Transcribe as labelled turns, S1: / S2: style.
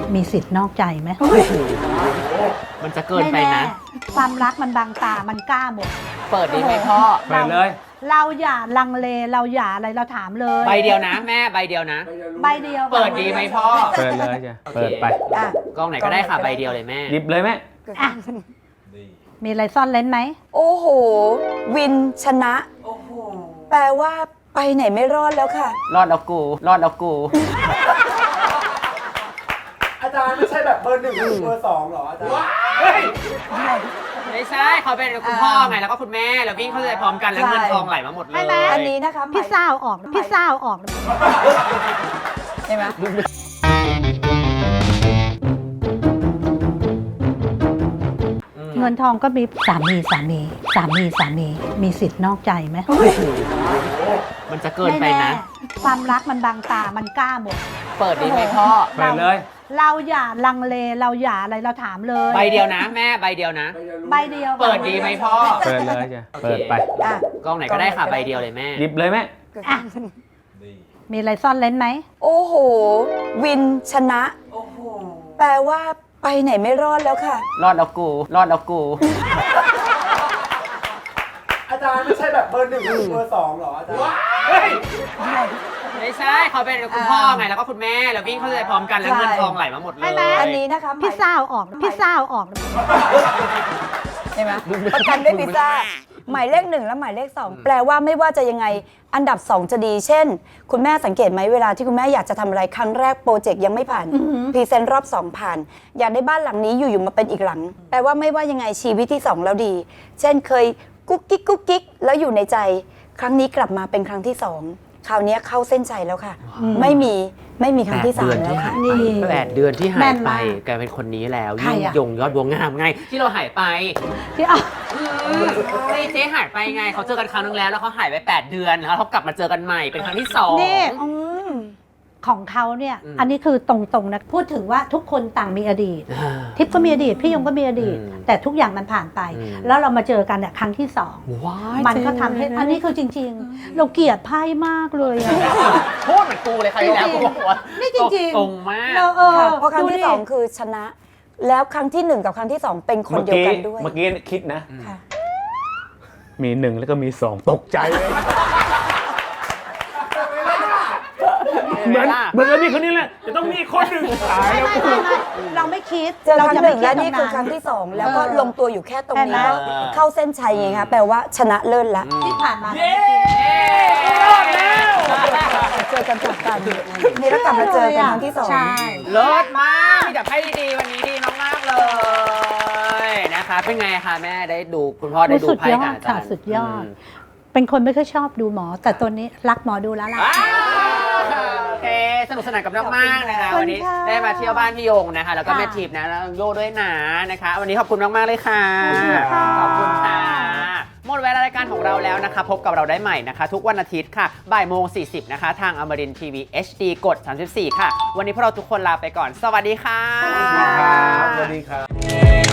S1: มีสิทธิ์นอกใจไหม
S2: มันจะเกินไปนะ
S1: ความรักมันบางตา มันกล้าหมด
S2: เปิดดีไหมพ่อ
S3: เปิดเลย
S1: เราอย่าลังเล เราอย่าอะไร เราถามเลย
S2: ใบเดียวนะแม่ใบเดียวนะ
S1: ใบเดียว
S2: เปิดดีไหมพ่อ
S3: เปิดเลยจ้ะเปิดไป
S1: อ่ะ
S2: กล้องไหนก็ได้ค่ะใบเดียวเลยแม่
S3: หยิบเลยแม่
S1: อ่ะมีอะไรซ่อนเล้นไหม
S4: โอ้โห วินชนะ แปลว่าไปไหนไม่รอดแล้วค่ะ
S2: รอดแล้วกู รอดแล้วกู
S5: อาจารย์ไม่ใช่แบบเบอร์หนึ่งหรือเบอร์สองหรออาจารย์
S2: ไม่ใช่เขาเป็นคุณพ่อไงแล้วก็คุณแม่แล้ววิ่งเข้าใจพร้อมกันแล้วเงินทองไหลมาหมดเลย
S4: อันนี้นะคะ
S1: พี่ซ่าเอาออก พี่ซ่าเอาออก
S4: ใช่ไหม
S1: เงินทองก็มีสามี มีสิทธิ์นอกใจไหม
S2: มันจะเกินไปนะ
S1: ความรักมันบางตา มันกล้าหมด
S2: เปิดดีไหมพ่อ
S3: เปิดเลย
S1: เราอย่าลังเล เราอย่าอะไร เราถามเลย
S2: ใบเดียวนะแม่ใบเดียวนะ
S1: ใบเดียว
S2: เปิดดีไหมพ่อ
S3: เปิดเลยจ้ะเปิดไป
S4: อ่ะ
S2: กล้องไหนก็ได้ค่ะใบเดียวเลยแม่
S3: หยิบเลยแม่
S1: อ่ะมีอะไรซ่อนเล้นไหม
S4: โอ้โห วินชนะ แปลว่าไปไหนไม่รอดแล้วค่ะ
S2: รอดแล้วกู รอดแล้วกู
S5: อาจารย์ไม่ใช่แบบเบอร์หนึ่งหรือเบอร์สองหรออาจารย์
S2: ไม่ใช่เขาเป็นคุณพ่อไงแล้วก็คุณแม่แล้ววิ่งเข้าใจพร้อมกันแล้วเงินทองไหลมาหมดเลย
S4: อันนี้นะคะ
S1: พี่ซ่าเอาออก พี่ซ่าเอาออก
S4: ใช่ไหมประกันด้วยพิซซ่า หมายเลข 1 และหมายเลข 2 แปลว่าไม่ว่าจะยังไงอันดับ 2 จะดี เช่น คุณแม่สังเกตไหมเวลาที่คุณแม่อยากจะทำอะไรครั้งแรกโปรเจกต์ยังไม่ผ่านพรีเซนต์รอบ 2 ผ่าน อยากได้บ้านหลังนี้อยู่ๆมาเป็นอีกหลัง แปลว่าไม่ว่ายังไงชีวิตที่ 2 แล้วดี เช่นเคยกุ๊กกิ๊กกุ๊กกิ๊กแล้วอยู่ในใจ ครั้งนี้กลับมาเป็นครั้งที่ 2 คราวนี้เข้าเส้นใจแล้วค่ะ ไม่มีครั้งที่ 3 แล้วค่ะ
S1: นี่
S2: 8 เดือนที่หา
S1: แม่
S2: ย
S1: น
S2: ไป
S1: มาก
S2: กลายเป็นคนนี้แล้ว
S1: ใคร
S2: ยิ่ง
S1: อะ
S2: ยงยอดบัวงามไง ที่เราหายไป
S1: ที่เอา
S2: เจ๊หายไปไงเขาเจอกันครั้งนึงแล้วเขาหายไป 8 เดือนแล้วเขากลับมาเจอกันใหม่เป็นครั้งที่2
S1: นี่
S4: อืม
S1: ของเขาเนี่ย
S2: อืม
S1: อันนี้คือตรงๆนะ พูดถึงว่าทุกคนต่างมีอดีต ทิพย์ก็มีอดีต พี่ยงก็มีอดีต
S2: อืม
S1: แต่ทุกอย่างมันผ่านไป
S2: อืม
S1: แล้วเรามาเจอกันเนี่ยครั้งที่สอง
S2: ว้าย
S1: มันก็ทำให้ อันนี้คือจริง ๆ เราเกลียดไพ่มากเลยอะ
S2: พูดเหมือนกูเลยใครแล้วกูบอกว่า
S1: นี่จริงๆ
S2: ตรงมาก
S1: เรา
S4: ค่ะเพราะครั้งที่
S1: ดูดิ
S4: 2 คือชนะ แล้วครั้งที่ 1 กับครั้งที่ 2 เป็นคนเดียวกันด้วย
S3: เมื่อกี้คิดนะ
S4: ค่ะ
S3: มี 1 แล้วก็มี 2 ตกใจเลย เหมือนกับมีคนนี้แหละ จะต้องมีคนหนึ่งตายแล้วกู
S1: เราไม่คิด
S4: เจอครั้ง
S1: จะ
S4: ห
S1: ไม่
S4: นึ่ง
S1: คิด
S4: และนี่
S1: ตร
S4: คือง ครั้
S1: นั้
S4: ง
S1: น
S4: ที่ 2 แล้วก็ลงตัวอยู่แค่ตรงนี้
S1: เห็นไหม
S4: ก็เข้าเส้นชัยไงคะแปลว่าชนะเลิศละ
S1: ที่ผ่านมา
S2: รอดแล้ว
S4: เจอกันจบกันนี่แล้วกลับมาเจอกันครั้งที่ 2
S1: ใช่
S2: เลิศมากมีแต่ไพ่ดีๆวันนี้ดีมากๆเลยนะคะเป็นไงคะแม่ได้ดูคุณพ่อได้ดู
S1: สุด
S2: ไพ่
S1: ย
S2: กั
S1: อบ ด
S2: อาจา
S1: ค่ะ
S2: รย์
S1: สุดยอด เป็นคนไม่ค่อยชอบดูหมอ แต่ตัวนี้รักหมอดูแล้วล่ะ
S2: ว้าวโอเคสนุกสนานกับน้องมากนะคะ
S1: ขอบคุณ
S2: วันนี้
S1: ค่ะ
S2: ได้มาเที่ยวบ้านพี่ยงนะคะ แล้วก็
S1: ค่ะ
S2: แม่ทิพย์นะแล้วโยด้วยนะนะคะ วันนี้ขอบคุณมากๆเลยค่ะ
S1: ค่ะ
S2: ขอบคุณค่ะหมดเวลารายการของเราแล้วนะคะ พบกับเราได้ใหม่นะคะ ทุกวันอาทิตย์ค่ะบ่ายโมง40นะคะ ทางอมรินทีวี HD กด 34 ค่ะ วันนี้พวกเราทุกคนลาไปก่อน สวัสดีค่ะ
S5: สวัสดีครับ